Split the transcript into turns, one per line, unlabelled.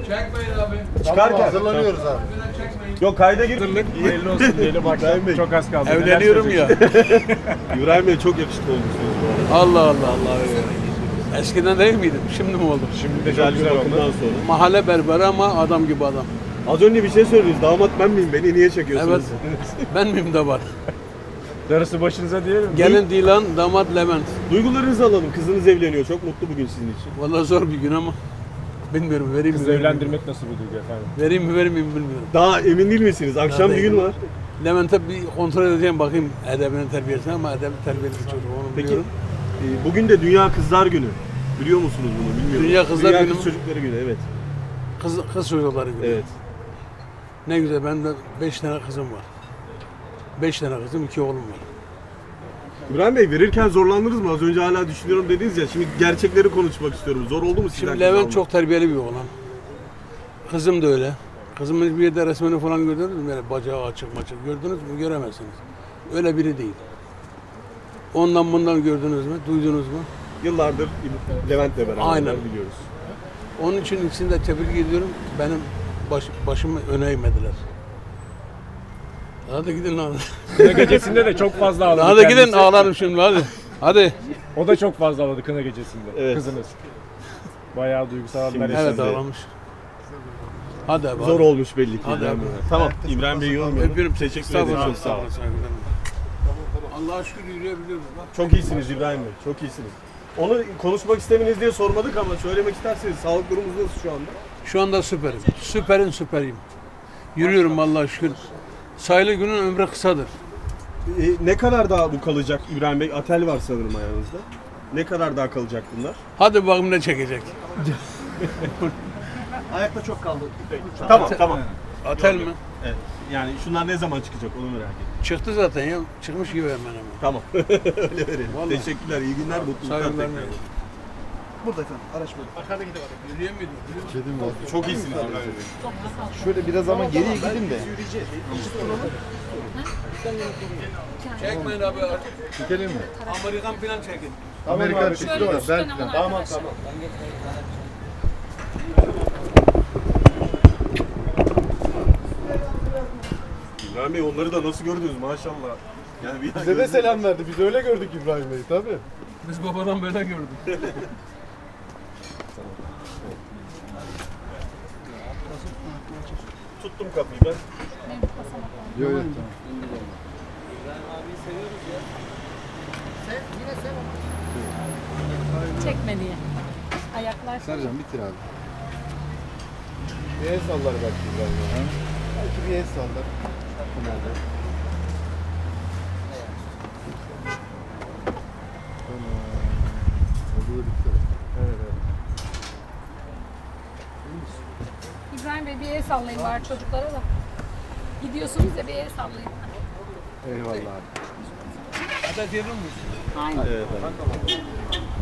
Çekmeyin abi.
Çıkarken.
Hazırlanıyoruz abi.
Yok kayda gir.
Hayırlı olsun diyelim bak.
İbrahim Bey.
Çok az kaldı.
Evleniyorum ya.
İbrahim Bey çok yakışıklı olmuşsunuz bu arada.
Allah Allah Allah. Eskiden değil miydim? Şimdi mi oldum?
Şimdi de
Güzel
çok
bir
güzel
bakımdan
oldu.
sonra.
Mahalle berberi ama adam gibi adam.
Az önce bir şey söylediniz. Damat ben miyim? Beni niye çekiyorsunuz?
Ben miyim de var.
Darısı başınıza diyelim.
Gelin Dilan, damat Levent.
Duygularınızı alalım. Kızınız evleniyor. Çok mutlu bugün sizin için.
Vallahi zor bir gün ama. Bilmiyorum vereyim mi?
Kızı
vereyim mi?
evlendirmek nasıl bir duygu efendim?
Vereyim mi vermeyeyim mi bilmiyorum.
Daha emin değil misiniz? Akşam
Daha
düğün
değilim.
var.
Levent'e bir kontrol edeceğim bakayım edebinin terbiyesine ama edebin terbiyeli bir çocuk onu
Peki
biliyorum.
bugün de Dünya Kızlar Günü. Biliyor musunuz bunu? Bilmiyorum.
Dünya Kızlar Günü
Kız
mü?
Çocukları Günü evet.
Kız çocukları gibi.
Evet.
Ne güzel benim de 5 tane kızım var. 5 tane kızım 2 oğlum var.
İbrahim Bey verirken zorlandınız mı? Az önce hala düşünüyorum dediniz ya. Şimdi gerçekleri konuşmak istiyorum. Zor oldu mu sizden?
Şimdi
kız
Levent
almak?
çok terbiyeli bir oğlan. Kızım da öyle. Kızımın bir yerde resmini falan gördünüz mü? Böyle bacağı açık maçık. Gördünüz mü? Göremezsiniz. Öyle biri değil. Ondan bundan gördünüz mü? Duydunuz mu?
Yıllardır Levent'le beraber
Aynen.
biliyoruz.
Onun için ikisini de tebrik ediyorum. Benim başımı öne eğmediler. Hadi gidin lan.
Kına gecesinde de çok fazla ağladı
Hadi gidin
kendisi.
ağlarım şimdi hadi. Hadi.
O da çok fazla ağladı kına gecesinde.
Evet.
Kızınız. Bayağı duygusal anlar
Şimdi-
yaşadı.
Evet
Şimdi-
ağlamış. Hadi abi.
Zor olmuş belli ki.
Hadi
İbrahim
abi.
Bey. Tamam. İbrahim Bey'i yormayalım.
Öpüyorum.
Teşekkür ederim.
Estağfurullah.
Çok sağ olun.
Allah'a şükür yürüyebiliyoruz bak.
Çok iyisiniz İbrahim Bey. Çok iyisiniz. Onu konuşmak istemeniz diye sormadık ama söylemek isterseniz sağlık durumunuz nasıl şu anda?
Şu anda süperim. Süperiyim. Yürüyorum Allah'a şükür. Sayılı günün ömrü kısadır.
Ne kadar daha bu kalacak İbrahim Bey? Atel var sanırım ayağınızda. Ne kadar daha kalacak bunlar?
Hadi bakalım ne çekecek.
Ayakta çok kaldı.
Tamam.
Atel mi?
Evet. Yani şunlar ne zaman çıkacak onu merak ettim.
Çıktı zaten ya. Çıkmış gibi hemen hemen.
Tamam. Öyle verelim.
Vallahi.
Teşekkürler. İyi günler. Mutluluklar
Saygılar
tekrar.
vermeyin.
Burada efendim. Araç burada.
Yürüyemedim.
Kedim var.
Çok iyisiniz İbrahim Bey.
Şöyle biraz ama geriye gidin de.
Çekmeyin abi.
Çekelim mi?
Amerikan falan çekin.
Amerikan çıktı
Şöyle
var.
üstten
Ben
alın
tamam
arkadaşlar.
tamam.
İbrahim Bey onları da nasıl gördünüz maşallah. Yani bir
Bize de selam verdi. Biz öyle gördük İbrahim Bey'i tabii.
Biz babadan böyle gördük.
Tuttum kapıyı ben.
Yok yok.
Çekme diye. Ayaklar.
Sercan bitir abi. Bir el sallar belki İbrahim Bey. Belki bir el sallar. Nerede? Tamam. Oldu da bitti. Evet evet.
İbrahim Bey bir el sallayın var çocuklara da. Gidiyorsunuz ya bir el sallayın.
Eyvallah abi.
Hadi diyelim mi?
Aynen.
Evet,